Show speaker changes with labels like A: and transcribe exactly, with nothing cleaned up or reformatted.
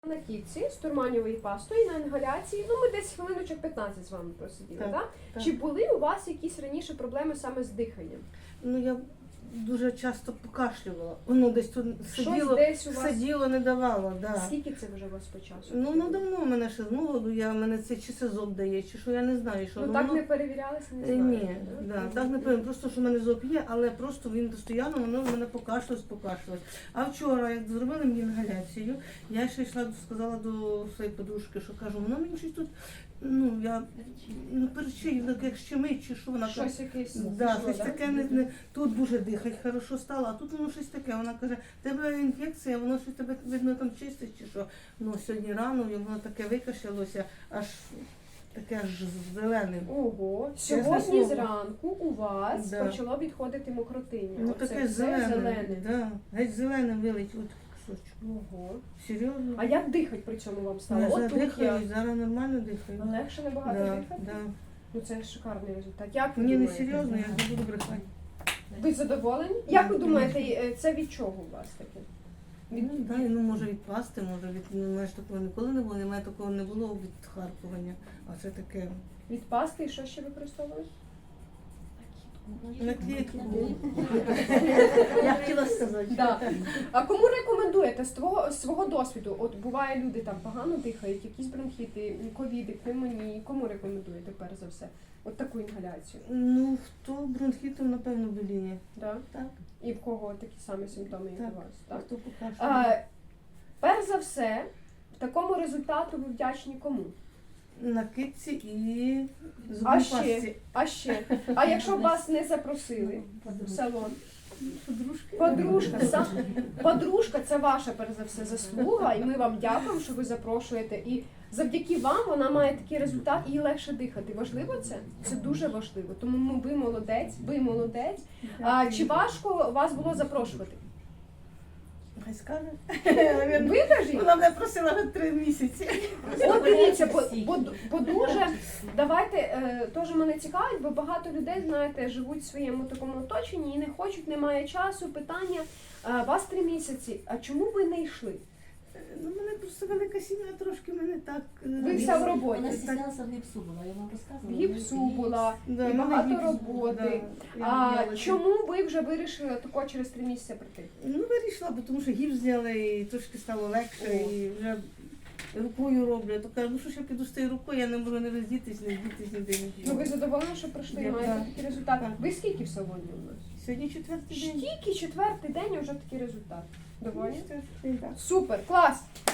A: На кітці з турманівою пастою на інгаляції. Ну, ми десь хвилиночок п'ятнадцять з вами просиділи, так?
B: Так, так.
A: Чи були у вас якісь раніше проблеми саме з диханням?
B: Ну, я дуже часто покашлювала. Воно десь тут сиділо,
A: десь у вас-
B: сиділо, не давало. Да.
A: Скільки це вже у вас по часу?
B: Ну, ну давно в мене ще з молоду, я, мене це чи сезон дає, чи що, я не знаю, що.
A: Ну,
B: воно-
A: так не перевірялися, не
B: Е,
A: знаєте?
B: Ні, да, так не певно. Просто що в мене зоб є, але просто він постійно воно в мене покашлювалось, покашлювалось. А вчора, як зробили мені інгаляцію, я ще йшла, сказала до своєї подружки, що кажу, воно мені щось тут, ну я ну перечі, як щемить, чи що вона каже.
A: Щось якесь
B: Да,
A: пішло,
B: щось
A: да?
B: таке не, не тут дуже дихать хорошо стало, а тут воно щось таке. Вона каже, в тебе інфекція, воно щось тебе видно там чистить чи що. Ну сьогодні рано і воно таке викашлялося, аж таке аж зелене.
A: Ого,
B: Чесне
A: сьогодні
B: слово.
A: зранку у вас
B: Да.
A: почало відходити мокротиння.
B: Ну
A: Оце
B: таке
A: все
B: зелене.
A: зелене.
B: Да, геть зелене вилить от кусочок.
A: Ого.
B: Серйозно?
A: А як дихати при цьому вам стало?
B: Я
A: От
B: зараз
A: тут
B: дихаю,
A: я.
B: зараз нормально дихаю.
A: Легше набагато
B: Да,
A: дихати?
B: да.
A: Ну це шикарний результат. Як ви
B: Ні, не
A: думаєте?
B: серйозно, я не буду брехати.
A: Ви задоволені? Як ви думаєте, е, це від чого у вас таке?
B: Ну, да, ну може від пасти, може від ну, мене ж такого ніколи не було, немає такого не було від харкування. А це таке.
A: Від пасти і що ще використовують?
B: На клітку. Я хотіла сказати.
A: Да. А кому рекомендуєте з твого з свого досвіду? От буває, люди там погано дихають, якісь бронхіти, ковіди, пневмонії. Кому рекомендуєте перш за все? От таку інгаляцію.
B: Ну, хто бронхітом, напевно, боліє.
A: Да?
B: Так,
A: І в кого такі самі симптоми, як
B: так.
A: у вас?
B: А
A: Так?
B: хто покашляє?
A: А, перш за все, в такому результату ви вдячні кому?
B: На китці і
A: А
B: зубній
A: ще?
B: пастці.
A: А ще? А якщо б вас не запросили в салон?
B: Подружки.
A: Подружка, сам, подружка це ваша перш за все заслуга, і ми вам дякуємо, що ви запрошуєте. І завдяки вам вона має такий результат, і їй легше дихати. Важливо це? Це дуже важливо. Тому ми, ви молодець, ви молодець. А, чи важко вас було запрошувати?
B: Хай скаже.
A: Ви кажіть?
B: Вона мене просила вже три місяці.
A: От дивіться, бо, бо, бо дуже, давайте, е, теж мене цікавить, бо багато людей, знаєте, живуть в своєму такому оточенні і не хочуть, немає часу, питання, е, вас три місяці, а чому ви не йшли?
B: Ну, мене просто велика сім'я, трошки мене так. е,
A: Ви вся в роботі.
C: Вона
B: так.
C: стіснялася в гіпсу була, я вам
A: В
C: розказувала.
A: гіпсу була,
B: Да,
A: і
B: в мене
A: багато
B: гіпс,
A: роботи.
B: да,
A: А
B: я в'ялася.
A: чому ви вже вирішили тако через три місяці прийти?
B: Ну, вирішила, бо тому що гіпс зняли і трошки стало легше,
A: О.
B: і вже рукою роблю. То кажу, ну що ж я піду з тією рукою, я не можу не роздітись, не вдітись, ніде
A: Ну
B: нічого.
A: ви задоволені, що прийшли і
B: Я-
A: маєте
B: так.
A: такий результат?
B: Так.
A: Ви скільки в салоні у нас?
B: Сьогодні четвертий день.
A: Тільки четвертий день і вже такий результат. Доволі?
B: Четвертий день, так.
A: Супер, клас!